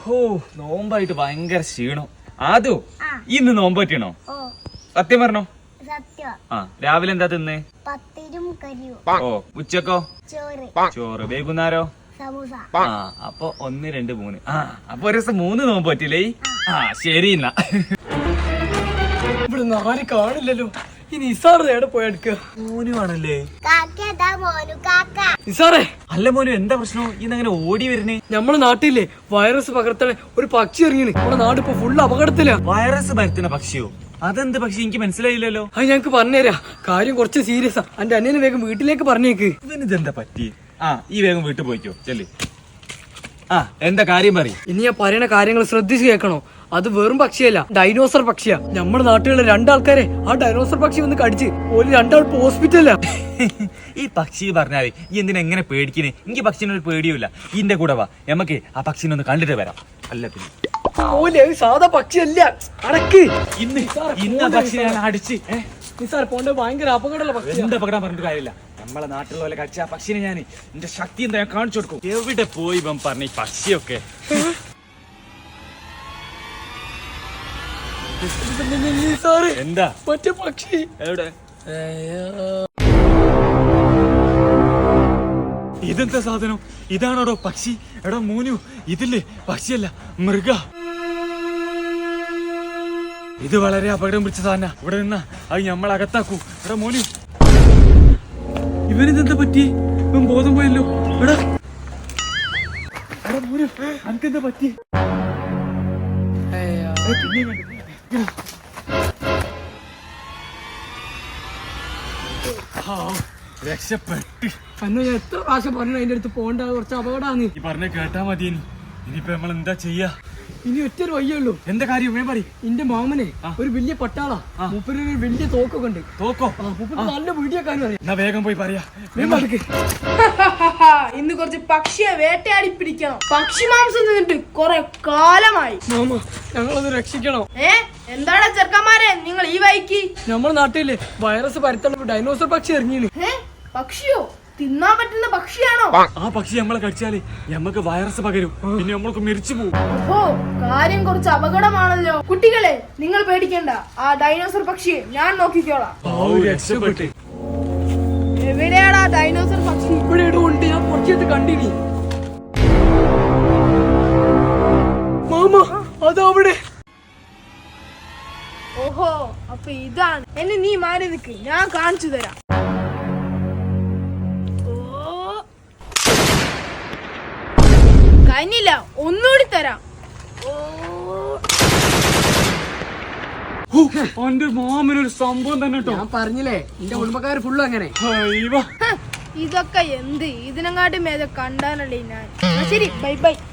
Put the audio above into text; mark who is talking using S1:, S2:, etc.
S1: ഓ നോമ്പായിട്ട് ഭയങ്കര ക്ഷീണം. ആദു ഇന്ന് നോമ്പ് പറ്റണോ? സത്യം പറഞ്ഞോ? ആ രാവിലെ എന്താ തിന്ന്? ഓ ഉച്ചക്കോ? ചോറ്. വൈകുന്നേരോ? ആ അപ്പൊ 1 2 3. ആ അപ്പൊ ഒരു ദിവസം 3 നോമ്പ് പറ്റില്ലേ? ആ ശരി എന്നാ.
S2: ഇവിടെ ആരും കാണില്ലല്ലോ. ഈ നിസാറ് എവിടെ പോയെടുക്കുക?
S1: മോനു ആണല്ലേ?
S2: നിസാറേ,
S1: അല്ല മോനു എന്താ പ്രശ്നം? ഇന്നങ്ങനെ ഓടി വരുന്നേ?
S2: നമ്മളെ നാട്ടിലെ വൈറസ് പകർത്തണ ഒരു പക്ഷി ഇറങ്ങിന്. നമ്മുടെ നാട് ഇപ്പൊ ഫുള്ള് അപകടത്തിലാ.
S1: വൈറസ് പരത്തുന്ന പക്ഷിയോ? അതെന്ത് പക്ഷി? എനിക്ക് മനസ്സിലായില്ലല്ലോ.
S2: അത് ഞങ്ങക്ക് പറഞ്ഞുതരാ. കാര്യം കുറച്ച് സീരിയസാ. എന്റെ അന്യനെ വേഗം വീട്ടിലേക്ക് പറഞ്ഞേക്ക്.
S1: ഇവനിതെന്താ പറ്റി? ആ ഈ വേഗം വീട്ടിൽ പോയിക്കോ ചെല്ലി. ആ എന്താ കാര്യം പറയും?
S2: ഇനി ഞാൻ പറയുന്ന കാര്യങ്ങൾ ശ്രദ്ധിച്ച് കേൾക്കണോ. അത് വെറും പക്ഷിയല്ല, ഡൈനോസർ പക്ഷിയാ. നമ്മുടെ നാട്ടിലുള്ള 2 ആൾക്കാരെ ആ ഡൈനോസർ പക്ഷി വന്ന് കടിച്ച് ഒരു 2 ആൾ ഹോസ്പിറ്റലിലാ.
S1: ഈ പക്ഷി പറഞ്ഞാല് ഈ എന്തിനാ എങ്ങനെ പേടിക്കണേ? എനിക്ക് പക്ഷിനൊരു പേടിയുമില്ല. ഇന്റെ കൂടെ വാ, നമുക്ക് ആ പക്ഷിനെ ഒന്ന് കണ്ടിട്ട് വരാം. അല്ല പിന്നെ
S2: സാധാ പക്ഷിയല്ല, അടക്ക്.
S1: ഇന്ന് പക്ഷിനെ ഞാൻ അടിച്ച്
S2: നിസാർ പോണ്ട ഭയങ്കര അപകടമുള്ള പക്ഷി.
S1: എന്താ അപകടം പറഞ്ഞിട്ട് കാര്യമില്ല. നമ്മളെ നാട്ടിലുള്ള പോലെ കടിച്ച ആ പക്ഷിനെ ഞാൻ എന്റെ ശക്തി എന്താ ഞാൻ കാണിച്ചു കൊടുക്കും. എവിടെ പോയി ഇവൻ പറഞ്ഞ ഈ പക്ഷിയൊക്കെ? എന്താ
S2: മറ്റേ പക്ഷി
S1: എവിടെ? ഇതെന്താ സാധനം? ഇതാണോടോ പക്ഷി? എടോ മോനു, ഇതില്ലേ പക്ഷിയല്ല, മൃഗ. ഇത് വളരെ അപകടം പിടിച്ച സാധന. ഇവിടെ നിന്നാ അത് നമ്മൾ അകത്താക്കൂ. എടാ മോനു, ഇവനിതെന്താ പറ്റി? ഇവൻ ബോധം പോയല്ലോ. എടാ എടാ മോനു, അനക്കെന്താ പറ്റി? രക്ഷപ്പെട്ട്.
S2: അന്ന് ഞാൻ എത്ര പ്രാവശ്യം പറഞ്ഞു അതിന്റെ അടുത്ത് പോകണ്ട, കുറച്ച് അപകടമാണ്.
S1: ഈ പറഞ്ഞ കേട്ടാ മതി. ഇനിയിപ്പോ നമ്മൾ എന്താ ചെയ്യാ?
S2: ഇനി ഒറ്റൊരു വയ്യുള്ളൂ.
S1: എന്താ കാര്യം? പറയും.
S2: എന്റെ മാമനെ ഒരു വലിയ പട്ടാളാ. മൂപ്പര് ഒരു വലിയ തോക്കൊക്കെ ഉണ്ട്.
S1: തോക്കോ?
S2: നല്ല വീഡിയോക്കാരും അറിയാം.
S1: എന്നാ വേഗം പോയി പറയാ.
S3: ഇന്ന് കുറച്ച് പക്ഷിയെ വേട്ടയാടി പിടിക്കണം. പക്ഷി മാംസം തിന്നിട്ട് കുറെ കാലമായി.
S2: മാമ, ഞങ്ങളത് രക്ഷിക്കണം.
S3: എന്താണ് ചെറുക്കന്മാരെ നിങ്ങൾ ഈ വൈക്ക്?
S2: നമ്മുടെ നാട്ടില് വൈറസ് പരത്തുള്ള ഡൈനോസർ പക്ഷി ഇറങ്ങിയാണ്.
S3: പക്ഷിയോ? തിന്നാൻ പറ്റുന്ന പക്ഷിയാണോ?
S1: ആ പക്ഷി നമ്മളെ കടിച്ചാല് നമുക്ക് വൈറസ് പകരും. പിന്നെ നമ്മൾക്ക് മരിച്ചു പോകും.
S3: ഓഹോ, കാര്യം കുറച്ച് അപകടമാണല്ലോ. കുട്ടികളെ, നിങ്ങൾ പേടിക്കണ്ട. ആ ഡൈനോസർ പക്ഷിയെ ഞാൻ നോക്കിക്കോളാം.
S1: രക്ഷപ്പെട്ട്.
S3: എവിടെയാടാ ഡൈനോസർ പക്ഷി?
S2: ഇവിടെ ഉണ്ട്, ഞാൻ കുറച്ചെടുത്ത് കണ്ടിനി. മാമ, അതവിടെ.
S3: ഓഹോ, അപ്പൊ ഇതാണ്. എന്നെ നീ മാറി നിൽക്ക്, ഞാൻ കാണിച്ചു തരാം. കഴിഞ്ഞില്ല, ഒന്നുകൂടി തരാം.
S1: എന്റെ മാമനൊരു സംഭവം തന്നെ കേട്ടോ.
S2: ഞാൻ പറഞ്ഞില്ലേ, എന്റെ കുടുംബക്കാര് ഫുള്ള് അങ്ങനെ.
S3: ഇതൊക്കെ എന്ത്? ഇതിനെങ്ങാട്ടി മേലെ കണ്ടാനല്ലേ ഞാൻ. ശരി, ബൈ ബൈ.